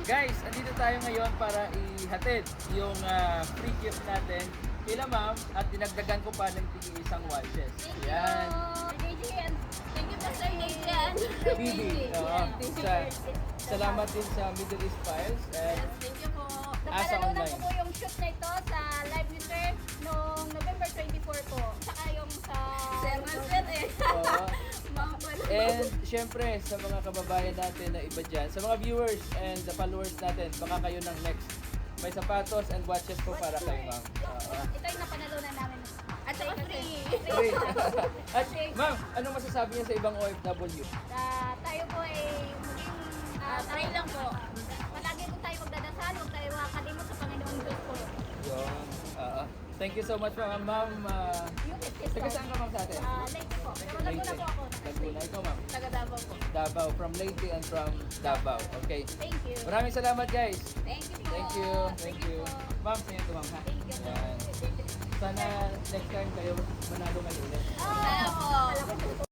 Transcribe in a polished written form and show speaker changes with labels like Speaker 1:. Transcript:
Speaker 1: Guys, andito tayo ngayon para ihatid yung free gift natin kila ma'am at dinagdagan ko pa ng isang watches.
Speaker 2: Thank you.
Speaker 1: Yan.
Speaker 2: Adrian. Thank you po, Sir Adrian.
Speaker 1: Bibi. Salamat din sa Middle East Files. And
Speaker 2: Thank you po.
Speaker 1: Asa
Speaker 2: Napanalunan
Speaker 1: Online.
Speaker 2: ko po yung shoot na ito sa live ni Sir noong November 24 po. Saka yung sa... Sir Marcel eh.
Speaker 1: Oo.
Speaker 2: Mga pala.
Speaker 1: And syempre sa mga kababayan natin na iba dyan, sa mga viewers and the followers natin, baka kayo ng next. May sapatos and watches po para kayo ma'am.
Speaker 2: Ito yung napanalunan namin. At saka free.
Speaker 1: Free. At ma'am, ano masasabi niya sa ibang OFW?
Speaker 2: Tayo po ay maging try lang po. Palagi po tayo magdadasal, huwag tayo makalimot sa Panginoong Diyos po.
Speaker 1: Yun. Thank you so much ma'am. Ma'am,
Speaker 2: Yung kiss
Speaker 1: taga saan ka ma'am sa atin?
Speaker 2: Late po. Pero Laguna po ako.
Speaker 1: Laguna. Ikaw ma'am?
Speaker 2: Taga Davao po.
Speaker 1: Davao. From Leyte and from Davao. Okay.
Speaker 2: Thank you.
Speaker 1: Maraming salamat guys.
Speaker 2: Thank you po.
Speaker 1: Thank you. Thank you.
Speaker 2: po.
Speaker 1: Ma'am, sa'yo ito ma'am ha?
Speaker 2: Thank you po.
Speaker 1: Yan. Sana next time kayo manalo kayo ulit.
Speaker 2: Sana po.